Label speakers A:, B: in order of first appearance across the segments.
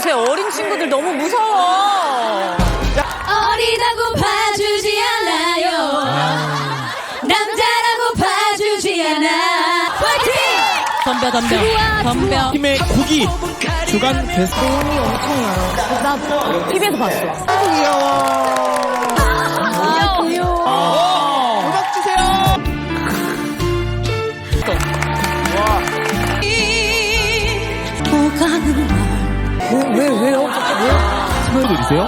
A: 제 어린 친구들 너무 무서워.
B: 어리다고 봐주지 않아요. 남자라고 봐주지 않아. 파이팅! 덤벼.
C: 팀의 국기 주간 베스트.
A: 돈이 엄청나요. 나 TV에서 봤어.
C: 귀여워. 음악 주세요.
A: 왜요?
C: 친구들이세요?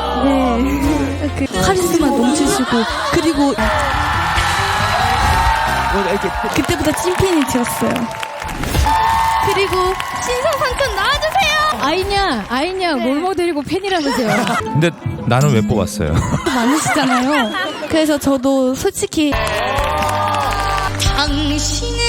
B: 카리스마 넘치시고 그리고 그때부터 찐팬이 되었어요. 그리고 신성상큼 나와주세요. 아이냐 롤모델이고 팬이라면서요.
D: 근데 나는 왜 뽑았어요?
B: 많으시잖아요. 그래서 저도 솔직히 당신을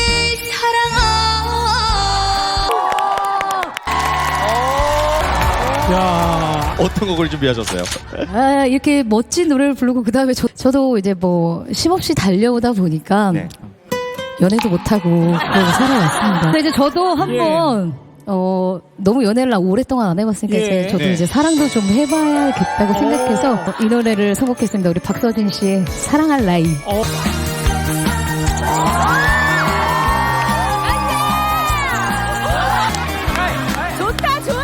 C: 야,
D: 어떤 곡을 준비하셨어요?
B: 이렇게 멋진 노래를 부르고 그 다음에 저도 이제 뭐 쉼없이 달려오다 보니까
D: 네.
B: 연애도 못하고 그러고 살아왔습니다. 그래서 저도 한번 너무 연애를 오랫동안 안 해봤으니까 이제 저도
D: 네.
B: 이제 사랑도 좀 해봐야겠다고 생각해서 이 노래를 선곡했습니다. 우리 박서진 씨의 사랑할 나이.
A: 좋다, 좋아!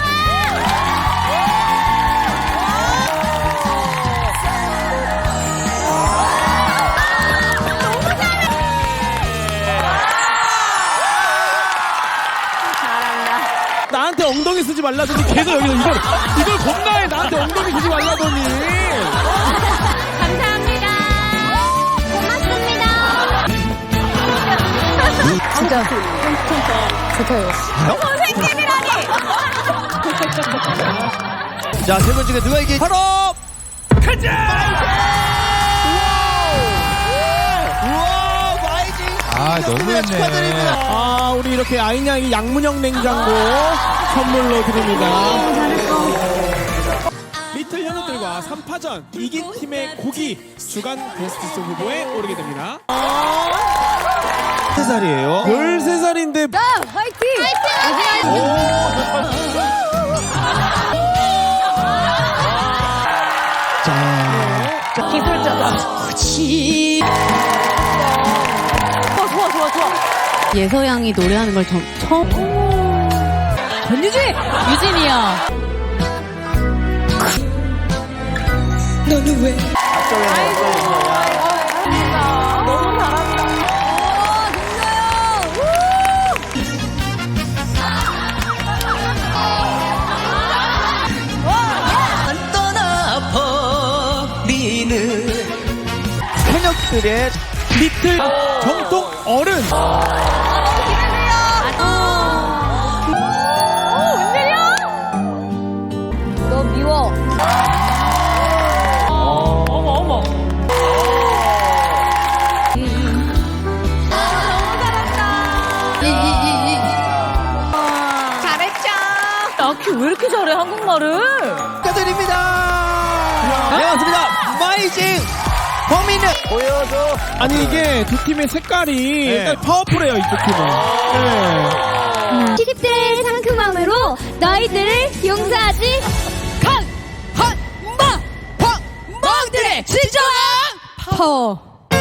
C: 나한테 엉덩이 쓰지 말라더니 계속 여기서 이걸 겁나해. 나한테 엉덩이 쓰지 말라더니.
A: 감사합니다. 고맙습니다.
B: 진짜 좋아요.
A: 선생님이라니!
D: 자, 세 분 중에 누가 이기? 바로 아, 너무했네.
C: 아, 우리 이렇게 아이냥이 양문형 냉장고 선물로 드립니다. 리틀 현우들과 3파전 이긴 팀의 고기 주간 베스트 후보에 오르게 됩니다.
D: 3살이에요?
C: 13살인데
B: 화이팅!
A: 기술자다. 좋아.
B: 예서양이 노래하는 걸 처음. 권유진! 유진이야. 너는 왜?
A: 너무 잘한다.
D: 현역들의
C: 리틀 정통 어른.
A: 너 미워. 어머. 잘했죠. 아키 왜 이렇게 잘해 한국말을?
D: 축하드립니다. 네, 맞습니다. 마이징 범인은 보여줘.
C: 아니 이게 두 팀의 색깔이
D: 네.
C: 일단 파워풀해요 이쪽 팀은. 네.
B: 시집들의 상큼함으로 너희들을 용서하지 멍들의 진정한 파워.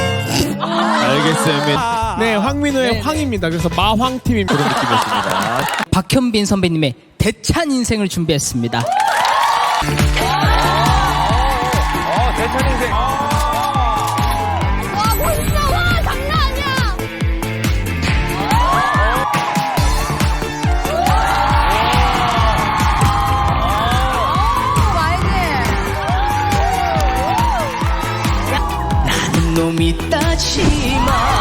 D: 알겠습니다.
C: 네, 황민호의 황입니다. 그래서 마황팀입니다. 그런 느낌이었습니다.
E: 박현빈 선배님의 대찬 인생을 준비했습니다.
D: 대찬 인생.
B: 와 멋있어. 와 장난 아니야.
E: 놈이 따지마.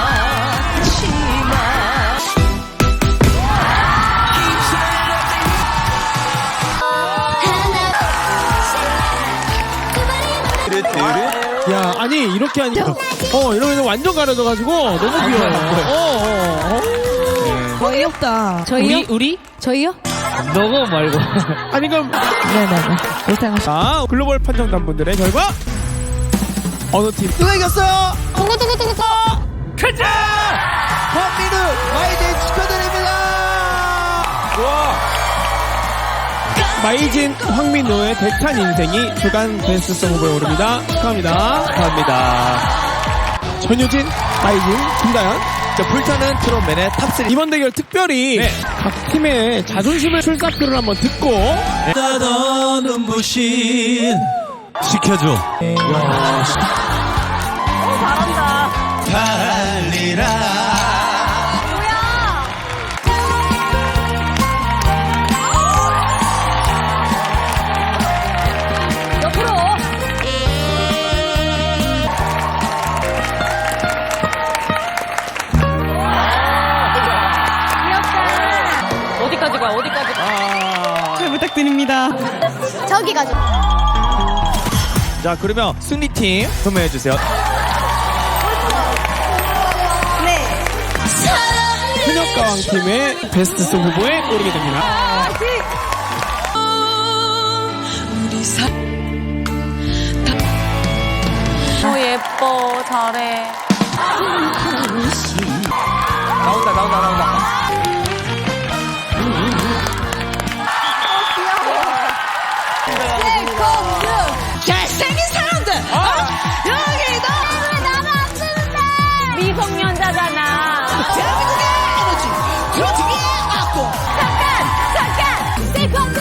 C: 야, 아니 이렇게 하니까 이러면 완전 가려져가지고 너무 귀여워.
B: 어이없다. 저희요?
E: 우리?
B: 저희요?
E: 너고 말고.
C: 아니 그럼
B: 네네네. 일단
C: 자 글로벌 판정단분들의 결과 어느 팀 누가 이겼어요?
D: 가자! 황민우 마이징 축하드립니다. 좋아.
C: 마이진, 황민호의 대찬 인생이 주간 베스트송 후보에 오릅니다. 축하합니다.
D: 감사합니다.
C: 전효진, 마이진, 김다현.
D: 자, 불타는 트롯맨의 탑3.
C: 이번 대결 특별히 각 팀의 자존심을 출사표를 한번 듣고
D: 나던 눈부신 지켜줘.
A: 잘한다.
D: 달리라.
A: 옆으로. 어디까지 가? 어디까지 가?
F: 잘 부탁드립니다.
G: 저기 가죠.
D: 자, 그러면 승리팀 소개해주세요.
C: 현역가왕 팀의 베스트송 후보에 오르게 됩니다.
A: 예뻐. 잘해.
D: 나온다.
A: 잘생긴 사람들. 여기도 나는 안 되는데. 미성년자잖아.
F: 대한민국의 에너지 트로트계 악보.
A: 잠깐. 세컨드.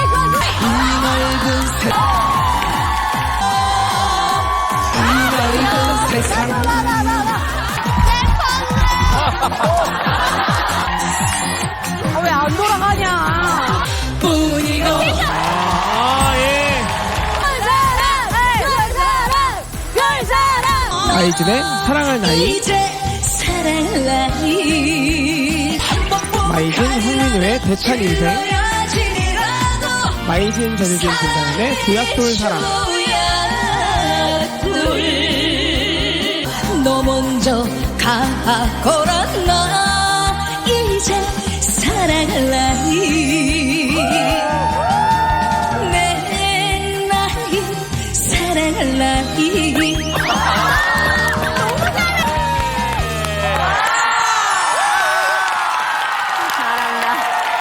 A: 왜 안 돌아가냐?
C: 마이진의 사랑할 나이, 마이진, 황민호의 대찬 인생, 마이진, 전효진, 김다현의 조약돌 사랑.
B: 너 먼저 가거라 나 이제 사랑할 날